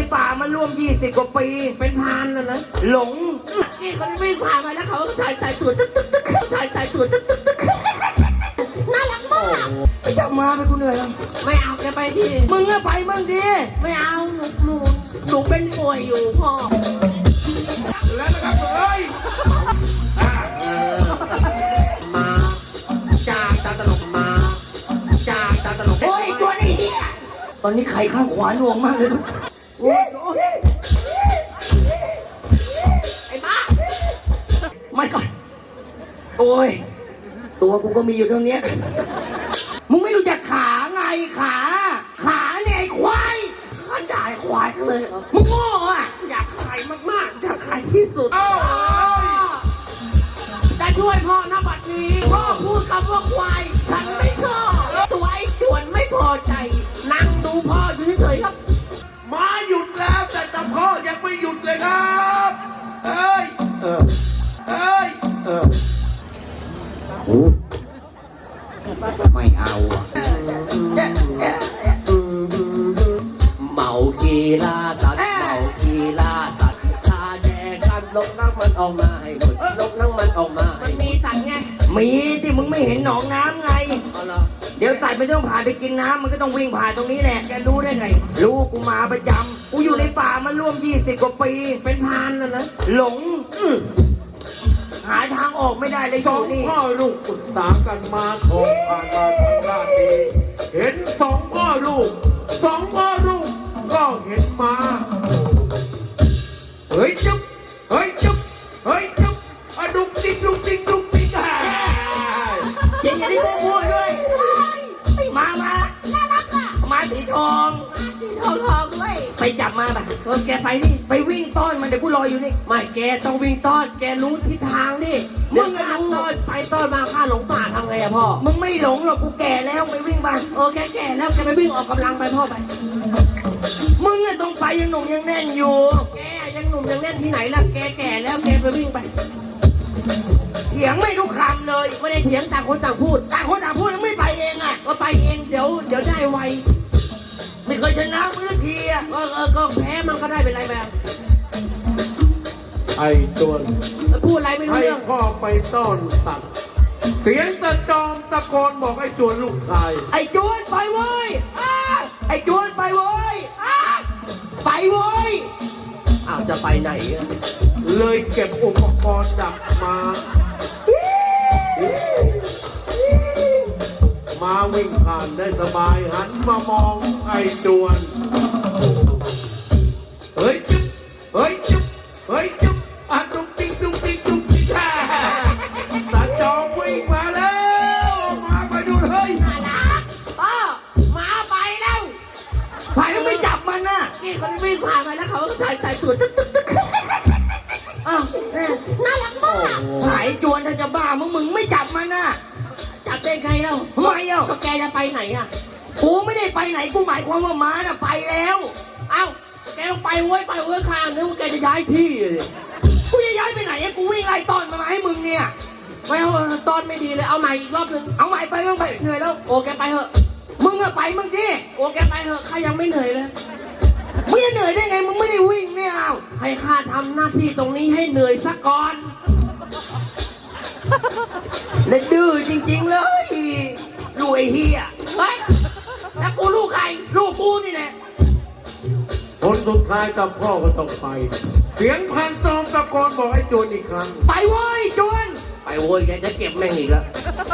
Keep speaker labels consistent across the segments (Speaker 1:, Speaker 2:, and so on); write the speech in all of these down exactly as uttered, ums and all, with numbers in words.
Speaker 1: ป่ามาร่วมยี่สิบกว่าปี
Speaker 2: เป็นพานแล้วนะ
Speaker 1: หลง
Speaker 2: นี่เขาวิ่งผ่านไปแล้วเขาถ่ายถ่ายสวนถ่ายถ่ายสวนน่ารักมาก
Speaker 1: ไปจับมาไปกูเหนื่อยแล้ว
Speaker 2: ไม่เอาแกไปดิ
Speaker 1: มึงอะไปมึงดิ
Speaker 2: ไม่เอาหนูหนูหนูเป็นป่วยอยู่พ่อ
Speaker 3: แล้วนะครับเฮ้ย
Speaker 2: มาจากตาตลกมาจากตาตลก
Speaker 1: โอ้ยตัวนี้ตอนนี้ไข่ข้างขวาหน่วงมากเลยลูกโอ้ย
Speaker 2: ไอ้บ้า
Speaker 1: ไม่ก่อนโอ้ยตัวกูก็มีอยู่เท่านี้มึงไม่รู้จักขาไงขาขาเนี่ยไอ้ควาย
Speaker 2: ขันด่าไอ้ควายเลย
Speaker 1: มึงโง่อะ
Speaker 2: อยากขายมากๆอยากขายที่สุดจะช่วยพ่อนะบัดนี้พ่อพูดคำว่าควายฉันไม่ชอบตัวไอ้จวนไม่พอใจนั่งดูพ่ออยู่เฉยๆครับ
Speaker 3: มาหยุดแล้วแต่ตาพ่อยังไม่หยุดเลยครับเฮ้ย
Speaker 1: เออ
Speaker 3: เฮ้ย
Speaker 1: เออโอ้ไม่เอาอ่ะ
Speaker 2: เมากีฬาตัดเมากีฬาตัดชาแดงกันลกนั่งมันออกมาให้หมดลกนั่งมันออกมามันมีสันไง
Speaker 1: มีที่มึงไม่เห็นหนองน้ำไงเดี๋ยวใส่ไม่ต้องผ่านไปกินน้ำมันก็ต้องวิ่งผ่านตรงนี้แหละ
Speaker 2: แกรู้ได้ไง
Speaker 1: รู้กูมาประจำกูอยู่ในป่ามาร่วมยี่สิบกว่าปี
Speaker 2: เป็นพานแล้วนะ
Speaker 1: หลงหาทางออกไม่ได้เลย
Speaker 3: สองพ่อลูกปรึกษากันมาของผ่านมาทางด้านนี้เห็นสองพ่อลูกสองพ่อลูกก็เห็นมาเฮ้ยจุ๊บเฮ้ยจุ๊บเฮ้ยจุ๊บอะดุกดิกดุกดิกดุกดิกฮ่า
Speaker 1: เจ๋งอย่างที่กูพูดด้วยมามา
Speaker 2: น่ารักอ่ะ
Speaker 1: มาสีทอง
Speaker 2: สีทองทองด้วย
Speaker 1: ไปจับมาป่ะ
Speaker 2: เออแกไปนี่
Speaker 1: ไปวิ่งต้อนมันเดี๋ยวกูรออยู่นี่
Speaker 2: ไม่แกต้องวิ่งต้อนแกรู้ทิศทางดิมึงรู้ต้อนไปต้อนมาข้าหลงป่าทำไงอะพ่อ
Speaker 1: มึงไม่หลงหรอกกูแก่แล้วไปวิ่งบ้าน
Speaker 2: เออแกแก่แล้วแกไปวิ่งออกกำลังไปพ่อไป
Speaker 1: มึงอะต้องไปยังหนุ่มยังแน่นอยู่
Speaker 2: แกยังหนุ่มยังแน่นที่ไหนล่ะแกแก่แล้วแกไปวิ่งไป
Speaker 1: เถียงไม่รู้คำเลย
Speaker 2: ไม่ได้เถียงต่างคนต่างพูด
Speaker 1: ต่างคนต่างพูดแล้วไม่ไปเองอะ
Speaker 2: ก็ไปเองเดี๋ยวเดี๋ยวได้ไว
Speaker 1: ไม่เคยชนะมึงสักทีอะ
Speaker 2: เออเออก็แพ้มันก็ได้เป็นไรแบบ
Speaker 3: ไอ้ตัว
Speaker 2: พูดอะไรไม่รู้เรื่อง
Speaker 3: ให้พ่อไปต้อนสัตว์เสียงตะจอมตะโกนบอกไอ้จวนลูกชาย
Speaker 1: ไอ้จวนไปเว้ยไอ้จวนไปเว้ยไปเว้ย
Speaker 2: อ้าวจะไปไหน
Speaker 3: เลยเก็บอุปกรณ์ดักมามาวิ่งผ่านได้สบายหันมามองไอ้จวนเฮ้ยจุ๊บเฮ้ยจุ๊บเฮ้ยจุ๊บอะดุกดิกดุกดิกดุกดิกฮ่าตาจอมวิ่งมาแล้วมาไปดูเฮ้ย
Speaker 2: น่ารักอ้อมาไปแล้ว
Speaker 1: ผ่านแล้วไม่จับมันน่ะ
Speaker 2: นี่คนวิ่งผ่านไปแล้วเขาถ่ายถ่ายสวน
Speaker 1: อ้าว
Speaker 2: น่ารักมาก
Speaker 1: หายจวนถ้าจะบ้ามึงมึงไม่จับมันน่ะ
Speaker 2: จับได้ไงเล่า
Speaker 1: ทำไมเอ้า
Speaker 2: ก็แกจะไปไหนอ่ะ
Speaker 1: กูไม่ได้ไปไหนกูหมายความว่าม้าน่ะไปแล้ว
Speaker 2: เอ้าแกต้องไปเว้ยไปเว้ยข้างนึกว่าแกจะย้ายที่เลย
Speaker 1: กูจะย้ายไปไหนกูวิ่งไล่ต้อนมามาให้มึงเนี่ย
Speaker 2: ไม่เอาต้อนไม่ดีเลยเอาใหม่อีกรอบนึง
Speaker 1: เอาใหม่ไปมึงไปเหนื่อยแล้ว
Speaker 2: โอ้แกไปเถอะ
Speaker 1: มึงอะไปมึงที่
Speaker 2: โอ้แกไปเถอะข้ายังไม่เหนื่อยเลย
Speaker 1: มึงจะเหนื่อยได้ไงมึงไม่ได้วิ่งเนี่ยเอา
Speaker 2: ให้ข้าทำหน้าที่ตรงนี้ให้เหนื่อยซะก่อน
Speaker 1: เล่นดื้อจริงๆเลยลูกไอ้เฮีย
Speaker 2: เฮ้ยแล้วกูลูกใคร
Speaker 1: ลูกกูนี่แหละ
Speaker 3: คนสุดท้ายกับพ่อก็ต้องไปเสียงพันตอมตะโกนบอกไอ้จวนอีกครั้ง
Speaker 1: ไปเว้ยจวน
Speaker 2: ไปเว้ยแกจะเก็บแม่งอีกแล้ว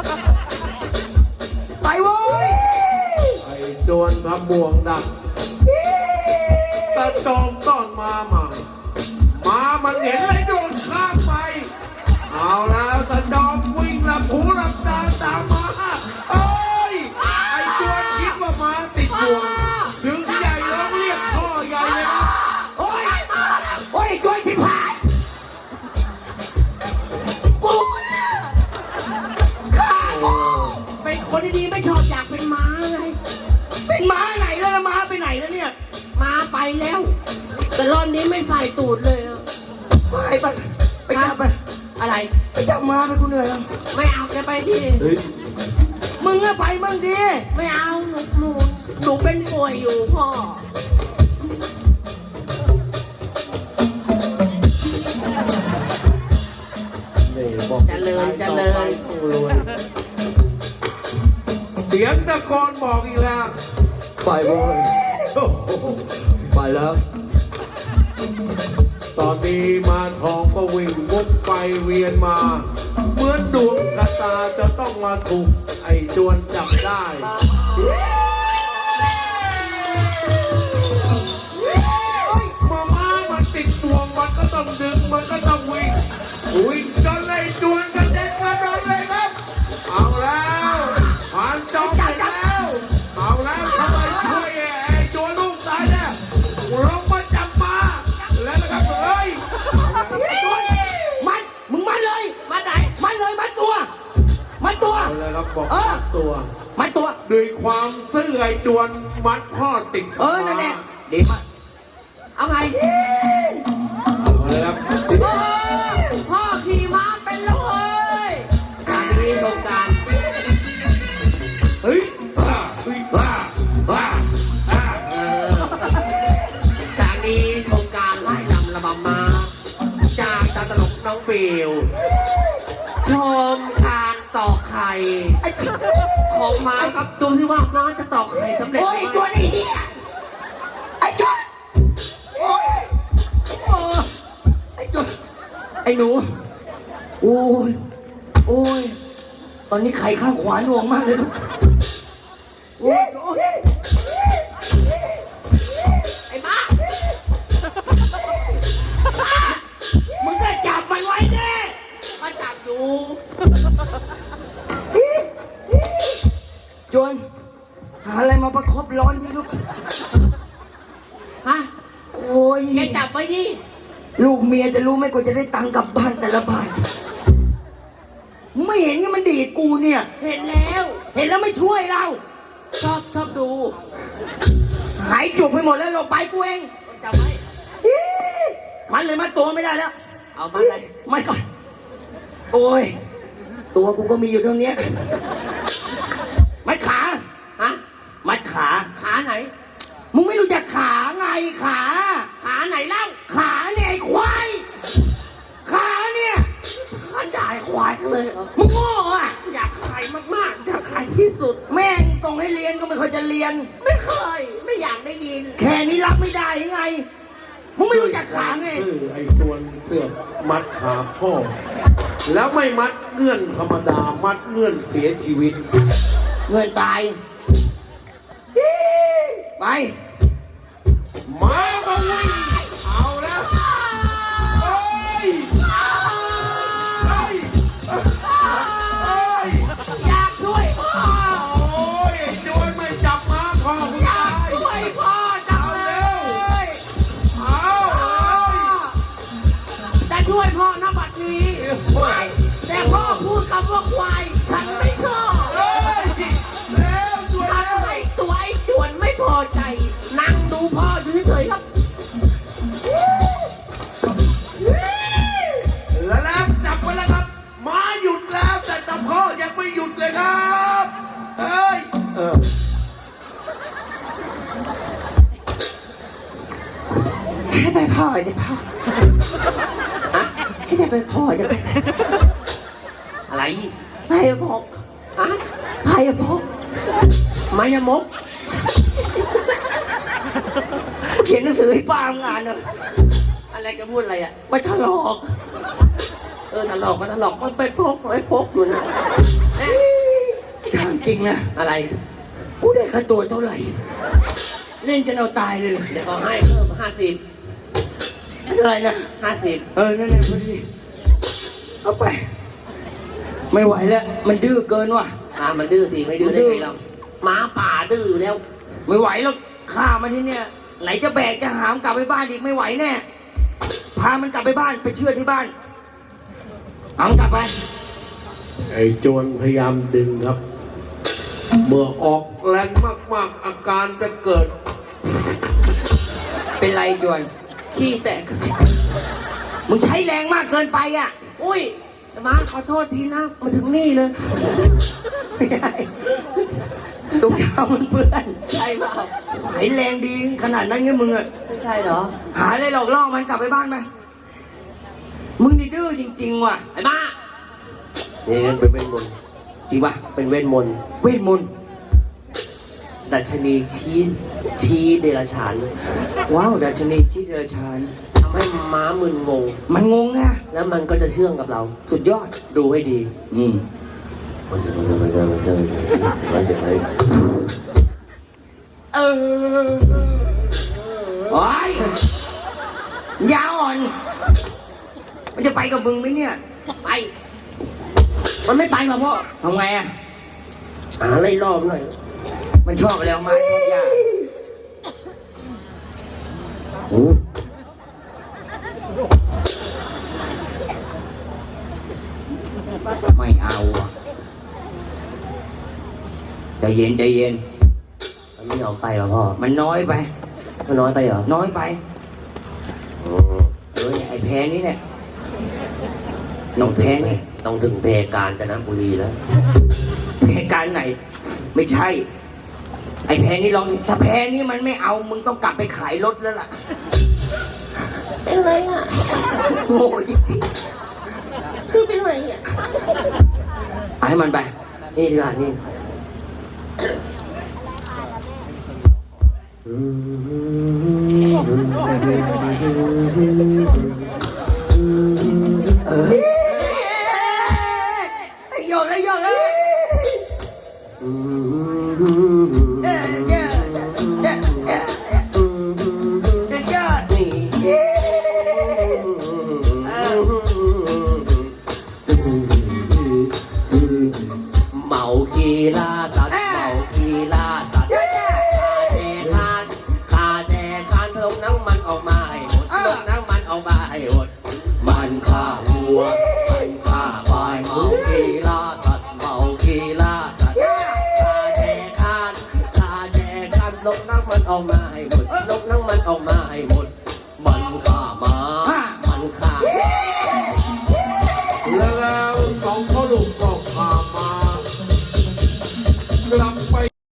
Speaker 1: ไปเว้ย
Speaker 3: ไอ้จวนทำบ่วงดักตะจอมต้อนมาใหม่มามันเห็นเลยโดนข้ามไปเอาแล้วตะจอมวิ่งหลับหูหลับตาตามมาเอ้ยไอ้จวนคิดว่ามาติดบ่วงถึงใหญ่แล้วเรียกพ่อใหญ่เลยนะ
Speaker 1: โอ้ยมาแล้วโอ้ยจวนที่ผ่านกูเนี่ยข้ากู
Speaker 2: เป็นคนดีๆไม่ชอบอยากเป็นม้าไง
Speaker 1: เป็นม้าไหนแล้วม้าไปไหนแล้วเนี่ย
Speaker 2: ม้าไปแล้วแต่รอบนี้ไม่ใส่ตูดเลยอะ
Speaker 1: ไปไปไปจับไป
Speaker 2: อะไร
Speaker 1: ไปจับมาไปกูเหนื่อยแล้ว
Speaker 2: ไม่เอาแกไปดิ
Speaker 1: มึงอะไปมึงดิ
Speaker 2: ไม่เอาหนูหนูหนูเป็นป่วยอยู่พ่อริญเจริญ
Speaker 3: ต้องรวยเสียงตะโกนบอกอีกแล้ว
Speaker 1: ไปโว้ย
Speaker 3: โอ้โห
Speaker 1: ไปแล้ว
Speaker 3: ตอนนี้มาทองก็วิ่งวกไปเวียนมาเหมือนดวงชะตาจะต้องมาถูกไอ้จวนจับได้มาม้ามันติดตัวมันก็ต้องดึงมันก็ต้องวิ่งวิ่งจนไอ้จวนกระเด็นกระโดดเลยครับเอาแล้วผ่านจอมไปแล้วเอาแล้วทำไมช่วยไอ้จวนลูกตายเนี่ยลงมาจับมาแล้วนะครับเฮ้ย
Speaker 1: มัดมึงมัดเลย
Speaker 2: มาไหน
Speaker 1: มัดเลยมัดตัวมัดตัว
Speaker 3: เอาเลยครับบอก
Speaker 1: เออ
Speaker 3: ตัว
Speaker 1: มัดตัว
Speaker 3: ด้วยความซื่อไอ้จวนมัดพ่อติด
Speaker 1: เออนั่นแหละดีมาก
Speaker 2: เอาไง
Speaker 3: เอาเลยครับ
Speaker 2: เออพ่อขี่ม้าเป็นเลยการนี้โครงการ
Speaker 3: เฮ้ยบ้าเฮ้ยบ้าบ้าอ่า
Speaker 2: เออจากนี้โครงการไล่ลำระบำมาจากตาตลกน้องฟิวชมการต่อไข่ของม้าครับดูที่ว่าม้าจะต่อไข่สำเร็จ
Speaker 1: โอ้ย
Speaker 2: ไหม
Speaker 1: จวนไอ้เหี้ยไอ้จวนโอ้ยโอ้ยไอ้จวนไอ้หนูโอ้ยโอ้ยตอนนี้ไข่ข้างขวาหน่วงมากเลยลูกโอ้ยโอ้ย
Speaker 2: ไอ้ม้า
Speaker 1: มึงก็จับมันไว้แน่
Speaker 2: มาจับอยู่
Speaker 1: จวนหาอะไรมาประคบร้อนที่ลูก
Speaker 2: ฮะ
Speaker 1: โอ้ย
Speaker 2: แกจับไว้ยี่
Speaker 1: ลูกเมียจะรู้ไหมกว่าจะได้ตังค์กลับบ้านแต่ละบาทไม่เห็นไงมันดีดกูเนี่ย
Speaker 2: เห็นแล้ว
Speaker 1: เห็นแล้วไม่ช่วยเรา
Speaker 2: ชอบชอบดู
Speaker 1: หายจุกไปหมดแล้วเราไปกูเอง
Speaker 2: จับไว้
Speaker 1: มันเลยมัดตัวไม่ได้แล้ว
Speaker 2: เอามาเลย
Speaker 1: มัดก่อนโอ้ยตัวกูก็มีอยู่เท่านี้มัดขา
Speaker 2: ฮะ
Speaker 1: มัดขา
Speaker 2: ขาไหน
Speaker 1: มึงไม่รู้จักขาไงขา
Speaker 2: ขาไหนเล่า
Speaker 1: ขาเนี่ยไอ้ควายขาเนี่ย
Speaker 2: ขันด่าควายกันเลยเหรอ
Speaker 1: มึงโง่อ่ะ
Speaker 2: อยากขายมากๆอยากขายที่สุด
Speaker 1: แม่งส่งให้เรียนก็ไม่ค่อยจะเรียน
Speaker 2: ไม่เคย ไม่อยากได้ยิน
Speaker 1: แค่นี้รับไม่ได้ยังไง มึงไม่รู้จักขาไง
Speaker 3: ซื่อไอ้จวนเสือกมัดขาพ่อ แล้วไม่มัดเงื่อนธรรมดา มัดเงื่อนเสียชีวิต
Speaker 1: เงินตาย ไป
Speaker 3: มาก็วิ่งเอาแล้วเฮ้ยเฮ้ยเฮ้ย
Speaker 2: อยากช่วยพ่อ
Speaker 3: โอ้ยไอ้จวนไม่จับมาพ่อคุณ
Speaker 2: อยา
Speaker 3: ตาก ย
Speaker 2: ช่วยพ่อจังเลย
Speaker 3: เอาเลย
Speaker 2: จะช่วยพ่อนะบัดนี้แต่พ่อพูดคำว่าควาย ฉันไม่ชอบ
Speaker 3: เฮ้ยเร็วช่วย
Speaker 2: ทำให้ตัวไอ้จวนไม่พอใจ นั่งดูพ่ออยู่เฉยๆครับ
Speaker 3: แล้วแล้วจับไปแล้วครับมาหยุดแล้วแต่ตาพ่อยังไม่หยุดเลยครับเฮ้ยเออ
Speaker 2: ให้ไปพ่อเดี๋ยวพ่อให้ไปพ่อเดี๋ยวไปอะไรไพ่พกอะไพ่พกไมายมก
Speaker 1: เขียนหนังสือให้ป้างานเนอะ
Speaker 2: อะไรกันพูดอะไรอ่ะไปถลอก เออถลอกก็ถลอกมันไปพกไว้พกอยู่นะ
Speaker 1: ถามจริงนะ
Speaker 2: อะไร
Speaker 1: กูได้ค่าตัวเท่าไหร่ เล่นจนเอาตายเลยเหรอ
Speaker 2: เดี๋ยวเขาให้เพิ่มห้าสิบ
Speaker 1: อะไรนะ
Speaker 2: ห้าสิบ
Speaker 1: เออ นั่นแหละพอดีเอาไป ไม่ไหวแล้ว มันดื้อเกินว่ะ
Speaker 2: อ่ามันดื้อสิไม่ดื้อได้ไงเราหมาป่าดื้อแล้ว
Speaker 1: ไม่ไหวแล้วฆ่ามันที่เนี่ย ไหนจะแบกจะหามกลับไปบ้านอีกไม่ไหวแน่ พามันกลับไปบ้านไปเชื่อที่บ้านเอามันกลับไป
Speaker 3: ไอ้โจรพยายามดึงครับ เมื่อออกแรงมากๆ อาการจะเกิด
Speaker 1: เป็นไรจวน
Speaker 2: ขี้แตก
Speaker 1: มึงใช้แรงมากเกินไปอ่ะ
Speaker 2: อุ้ยมาขอโทษทีนะมาถึงนี่เลย
Speaker 1: ไม่ได้ตุ้งเท้ามันเปื้อน
Speaker 2: ใช่เปล่า
Speaker 1: ไหนแรงดีขนาดนั้นไงมึงอ่ะ
Speaker 2: ไม่ใช่เหรอ
Speaker 1: หาอะไรหลอกล่อมันกลับไปบ้านไปมึงนี่ดื้อจริงๆว่ะ
Speaker 2: ไอ้บ้านี่เป็นเวทมนต์
Speaker 1: จริงปะ
Speaker 2: เป็นเวทมนต์
Speaker 1: เวทมนต์
Speaker 2: ดัชนีชี้ชี้เดรัจฉาน
Speaker 1: ว้าวดัชนีที่เดรัจฉาน
Speaker 2: ทำให้ม้ามึนงง
Speaker 1: มันงงนะ
Speaker 2: แล้วมันก็จะเชื่องกับเรา
Speaker 1: สุดยอด
Speaker 2: ดูให้ดี
Speaker 1: อืม
Speaker 2: มันจะมันจะมันจะมันจะมันจะ
Speaker 1: เออโอ้ยยาอ่อน มันจะไปกับมึงไหมเนี่ย
Speaker 2: ไป มันไม่ไปหรอกพ่อ
Speaker 1: ทำไงอ่ะ
Speaker 2: หาอะไรรอบหน่อย
Speaker 1: มันชอบอะไรออกมาชอบยาโอ้ไม่เอาอ่ะใจเย็นใจเย็น
Speaker 2: มันไม่ยอมไปหรอพ่อ
Speaker 1: มันน้อยไป
Speaker 2: มันน้อยไปเหรอ
Speaker 1: น้อยไปเฮ้ยไอ้แพ้นี้เนี่ยน้องแพ้นี่
Speaker 2: ต้องถึงเพกาญจนบุรีแล้ว
Speaker 1: แพ้การไหน ไม่ใช่ ไอ้แพ้นี้ลองถ้าแพ้นี้มันไม่เอามึงต้องกลับไปขายรถแล้วล่ะ
Speaker 4: เป็นไรอ่ะ
Speaker 1: โง่จริง
Speaker 4: คือเป็นไรอ่ะ
Speaker 1: ๆเอาให้มันไป
Speaker 2: นี่ดีกว่านี่
Speaker 1: เออไอ้โยนไอ้โยนเลยเออเยอะเยอะเยอะเยอะเยอะนี่เออ
Speaker 2: เมาคีล่าสัตว์เมาคีล่าสัตว์
Speaker 1: เยอะเยอะ
Speaker 2: คาแชร์คานคาแชร์คานเพิ่มน้ำมันออกมาให้หมดเพิ่มน้ำมันออกมาให้หมดมันฆ่าวัวมันฆ่าควายเมาคีล่าสัตว์เมาคีล่าสัตว์คาแชร์คานคาแชร์คานลบน้ำมันออกมาให้หมดลบน้ำมันออกมาให้หมดมันฆ่าหมามันฆ่า